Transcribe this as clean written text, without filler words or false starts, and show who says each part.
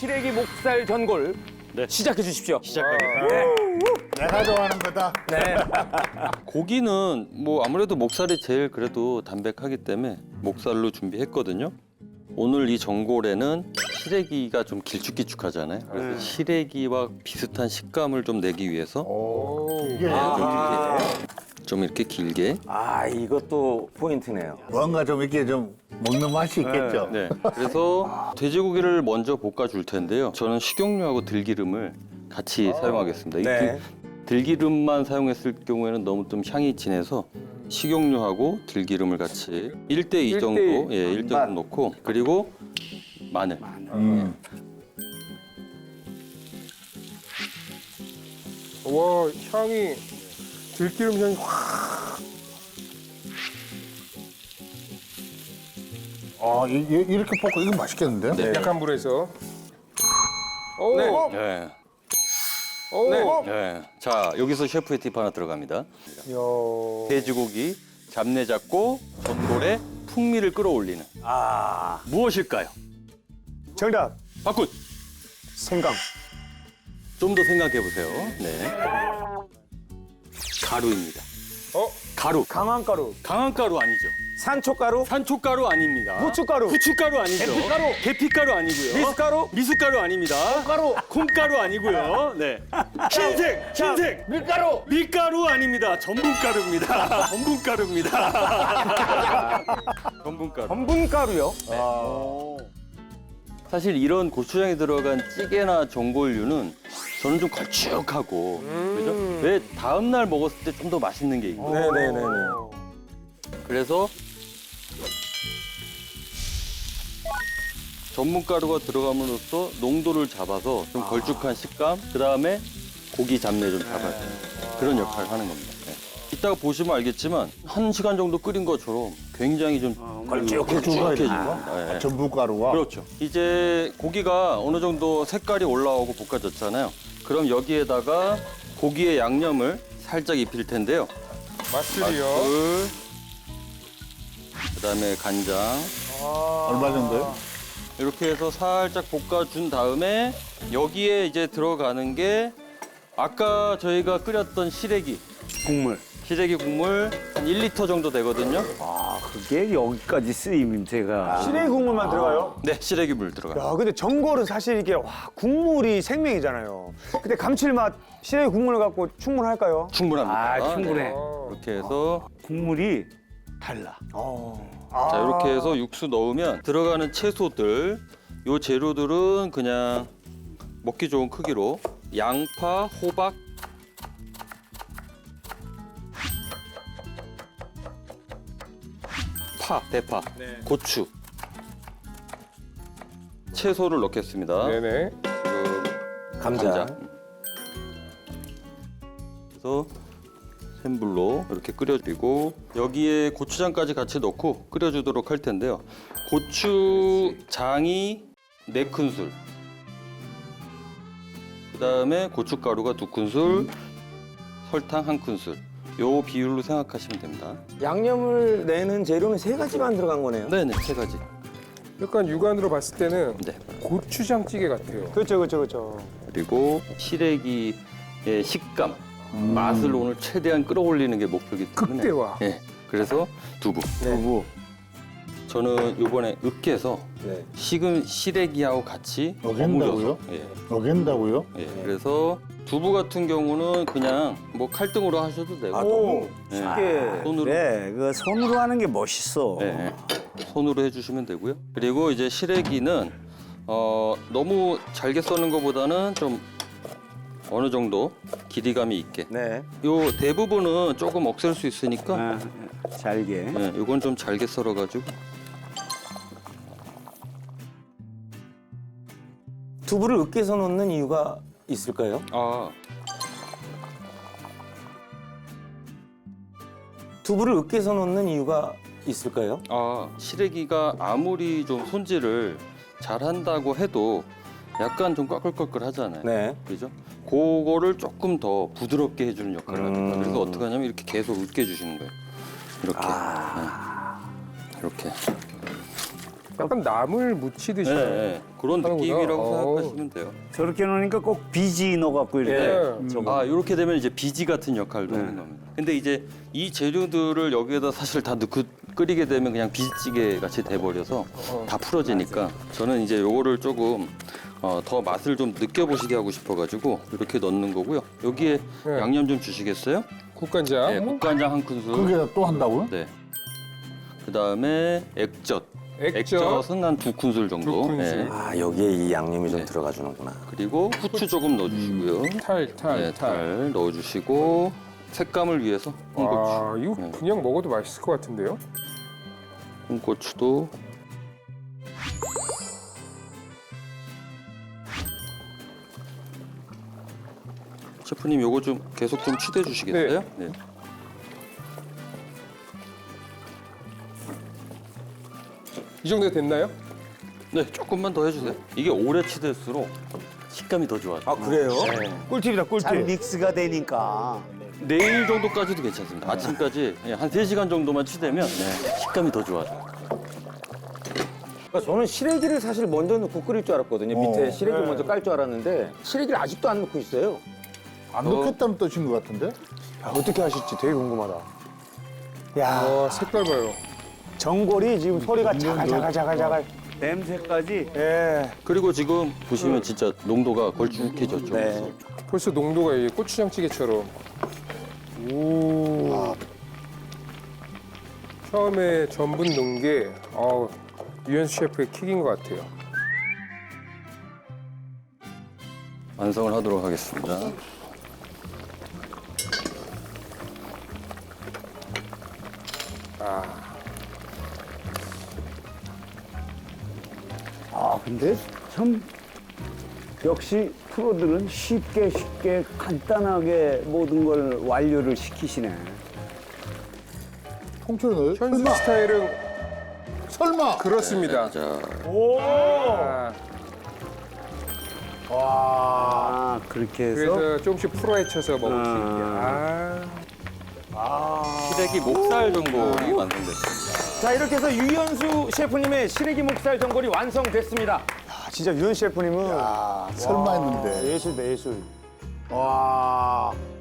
Speaker 1: 시래기 목살 전골
Speaker 2: 네.
Speaker 1: 시작해 주십시오.
Speaker 3: 내가 좋아하는 거다.
Speaker 1: 네.
Speaker 2: 고기는 뭐 아무래도 목살이 제일 그래도 담백하기 때문에 목살로 준비했거든요. 오늘 이 전골에는 시래기가 좀 길쭉길쭉하잖아요. 그래서 시래기와 비슷한 식감을 좀 내기 위해서
Speaker 3: 이게
Speaker 2: 좀 이렇게 길게.
Speaker 4: 아, 이것도 포인트네요.
Speaker 3: 뭔가 좀 이렇게 좀 먹는 맛이 있겠죠.
Speaker 2: 네. 그래서 돼지고기를 먼저 볶아줄 텐데요. 저는 식용유하고 들기름을 같이 사용하겠습니다. 이
Speaker 4: 네.
Speaker 2: 들기름만 사용했을 경우에는 너무 좀 향이 진해서 식용유하고 들기름을 같이 1대2 정도, 1대2 정도 넣고 그리고 마늘.
Speaker 5: 와, 향이 들기름 향이 확.
Speaker 3: 아, 이렇게 볶고 이거 맛있겠는데?
Speaker 2: 네.
Speaker 5: 약한 불에서. 오,
Speaker 1: 네.
Speaker 2: 네.
Speaker 5: 오,
Speaker 2: 네. 자, 여기서 셰프의 팁 하나 들어갑니다.
Speaker 5: 야.
Speaker 2: 돼지고기 잡내 잡고 전골에 풍미를 끌어올리는
Speaker 4: 아,
Speaker 2: 무엇일까요?
Speaker 5: 정답.
Speaker 2: 박군!
Speaker 5: 생강.
Speaker 2: 좀 더 생각해 보세요. 네. 가루입니다. 가루.
Speaker 4: 강황가루,
Speaker 2: 강황가루 아니죠.
Speaker 4: 산초가루,
Speaker 2: 산초가루 아닙니다.
Speaker 4: 후춧가루,
Speaker 2: 후춧가루 아니죠. 계피가루 아니고요.
Speaker 4: 미숫가루,
Speaker 2: 미숫가루 아닙니다. 콩가루 아니고요. 네. 흰색. 밀가루 아닙니다. 전분가루입니다. 전분가루.
Speaker 4: 전분가루요.
Speaker 2: 사실 이런 고추장이 들어간 찌개나 전골류는 저는 좀 걸쭉하고 그죠? 왜 다음 날 먹었을 때 좀 더 맛있는 게 있고
Speaker 4: 네네네네.
Speaker 2: 그래서 전분가루가 들어감으로써 농도를 잡아서 좀 걸쭉한 식감 그 다음에 고기 잡내 좀 잡아야 되는 그런 역할을 하는 겁니다. 네. 이따가 보시면 알겠지만 1시간 정도 끓인 것처럼 굉장히 좀 걸쭉해집니다. 네.
Speaker 3: 전분가루와.
Speaker 2: 그렇죠. 이제 고기가 어느 정도 색깔이 올라오고 볶아졌잖아요. 그럼 여기에다가 고기의 양념을 살짝 입힐 텐데요.
Speaker 5: 맛술이요.
Speaker 2: 맛술, 그다음에 간장
Speaker 3: 얼마 정도요?
Speaker 2: 이렇게 해서 살짝 볶아준 다음에 여기에 이제 들어가는 게 아까 저희가 끓였던 시래기 국물 한 1리터 정도 되거든요.
Speaker 6: 그게 여기까지 쓰임새가
Speaker 7: 시래기 국물만 들어가요?
Speaker 2: 네, 시래기 물 들어가요.
Speaker 7: 야, 근데 전골은 사실 이게 국물이 생명이잖아요. 근데 감칠맛 시래기 국물 갖고 충분할까요?
Speaker 2: 충분합니다.
Speaker 6: 충분해.
Speaker 2: 네. 이렇게 해서
Speaker 6: 국물이 달라.
Speaker 2: 자 이렇게 해서 육수 넣으면 들어가는 채소들 요 재료들은 그냥 먹기 좋은 크기로 양파, 호박, 대파, 고추, 채소를 넣겠습니다.
Speaker 5: 네네.
Speaker 4: 감자.
Speaker 2: 그래서 센 불로 이렇게 끓여주고 여기에 고추장까지 같이 넣고 끓여주도록 할 텐데요. 고추장이 4큰술, 그다음에 고춧가루가 2큰술, 설탕 1큰술. 요 비율로 생각하시면 됩니다.
Speaker 4: 양념을 내는 재료는 3가지만 들어간 거네요.
Speaker 2: 네네, 3가지.
Speaker 5: 약간 육안으로 봤을 때는
Speaker 2: 네.
Speaker 5: 고추장찌개 같아요.
Speaker 7: 그렇죠.
Speaker 2: 그리고 시래기의 식감, 맛을 오늘 최대한 끌어올리는 게 목표이기 때문에
Speaker 5: 극대화.
Speaker 2: 네. 그래서 두부. 저는 이번에 으깨서
Speaker 4: 네.
Speaker 2: 식은 시래기하고 같이
Speaker 3: 어갠다고요?
Speaker 2: 예.
Speaker 3: 어갠다고요?
Speaker 2: 예. 그래서 두부 같은 경우는 그냥 뭐 칼등으로 하셔도 되고
Speaker 4: 너무
Speaker 2: 예.
Speaker 4: 쉽게.
Speaker 2: 손으로
Speaker 6: 그래, 그 손으로 하는 게 멋있어.
Speaker 2: 예. 손으로 해주시면 되고요. 그리고 이제 시래기는 너무 잘게 써는 것보다는 좀 어느 정도 길이감이 있게.
Speaker 4: 네.
Speaker 2: 요 대부분은 조금 억셀 수 있으니까
Speaker 6: 아, 잘게.
Speaker 2: 예, 요건 좀 잘게 썰어가지고
Speaker 4: 두부를 으깨서 넣는 이유가 있을까요? 두부를 으깨서 넣는 이유가 있을까요?
Speaker 2: 시래기가 아무리 좀 손질을 잘한다고 해도 약간 좀 꺼끌꺼끌 하잖아요.
Speaker 4: 네.
Speaker 2: 그죠? 그거를 조금 더 부드럽게 해주는 역할을 합니다. 그래서 어떻게 하냐면 이렇게 계속 으깨주시는 거예요. 이렇게. 네. 이렇게.
Speaker 5: 약간 나물 무치듯이.
Speaker 2: 네, 네. 그런
Speaker 5: 하는구나.
Speaker 2: 느낌이라고
Speaker 5: 어우.
Speaker 2: 생각하시면 돼요.
Speaker 6: 저렇게 놓으니까 꼭 비지 넣어갖고 이렇게.
Speaker 5: 네.
Speaker 2: 아, 이렇게 되면 이제 비지 같은 역할도 하는 겁니다. 근데 이제 이 재료들을 여기에다 사실 다 넣고 끓이게 되면 그냥 비지찌개 같이 돼버려서 다 풀어지니까 저는 이제 요거를 조금 더 맛을 좀 느껴보시게 하고 싶어가지고 이렇게 넣는 거고요. 여기에
Speaker 5: 네.
Speaker 2: 양념 좀 주시겠어요?
Speaker 5: 국간장.
Speaker 2: 네, 국간장 한 큰술.
Speaker 3: 그게 또 한다고요?
Speaker 2: 네. 그 다음에 액젓.
Speaker 5: 액젓.
Speaker 2: 액젓은 한 2큰술 정도.
Speaker 5: 두 큰술.
Speaker 4: 아 여기에 이 양념이 좀
Speaker 2: 네.
Speaker 4: 들어가 주는구나.
Speaker 2: 그리고 후추 조금 넣어주시고요.
Speaker 5: 탈.
Speaker 2: 네, 탈 넣어주시고 색감을 위해서 홍고추.
Speaker 5: 와, 이거
Speaker 2: 네.
Speaker 5: 그냥 먹어도 맛있을 것 같은데요?
Speaker 2: 홍고추도. 셰프님 요거 좀 계속 좀 취대 주시겠어요? 네.
Speaker 5: 이 정도 됐나요?
Speaker 2: 네, 조금만 더 해주세요. 이게 오래 치댈수록 식감이 더 좋아요.
Speaker 4: 아 그래요?
Speaker 7: 꿀팁이다
Speaker 6: 잘
Speaker 7: 꿀팁.
Speaker 6: 믹스가 되니까.
Speaker 2: 내일 정도까지도 괜찮습니다. 아침까지 한 3시간 정도만 치대면 식감이 더 좋아져요.
Speaker 1: 그러니까 저는 시래기를 사실 먼저 넣고 끓일 줄 알았거든요. 밑에 시래기
Speaker 7: 네.
Speaker 1: 먼저 깔 줄 알았는데 시래기를 아직도 안 넣고 있어요.
Speaker 3: 안 넣겠다는 뜻인 것 같은데?
Speaker 7: 야, 어떻게 하실지 되게 궁금하다. 야,
Speaker 5: 와, 색깔 봐요.
Speaker 7: 전골이 지금 소리가 자갈자갈.
Speaker 6: 냄새까지.
Speaker 7: 예.
Speaker 2: 그리고 지금 보시면 진짜 농도가 걸쭉해졌죠.
Speaker 4: 네.
Speaker 5: 벌써 농도가 이 고추장찌개처럼. 오. 처음에 전분 넣은 게 유현수 셰프의 킥인 것 같아요.
Speaker 2: 완성을 하도록 하겠습니다.
Speaker 6: 아 근데 참 역시 프로들은 쉽게 간단하게 모든 걸 완료를 시키시네.
Speaker 3: 통째로 넣어요?
Speaker 5: 현수
Speaker 3: 설마?
Speaker 5: 스타일은
Speaker 3: 설마?
Speaker 5: 그렇습니다.
Speaker 2: 자,
Speaker 5: 아,
Speaker 6: 아 그렇게 해서
Speaker 5: 그래서 조금씩 풀어헤쳐서 먹을 수 있게.
Speaker 2: 시래기 목살 전골이 완성됐습니다.
Speaker 1: 자, 이렇게 해서 유현수 셰프님의 시래기 목살 전골이 완성됐습니다.
Speaker 7: 아, 진짜 유현 셰프님은
Speaker 3: 설마 했는데.
Speaker 7: 예술이다 예술.
Speaker 3: 와.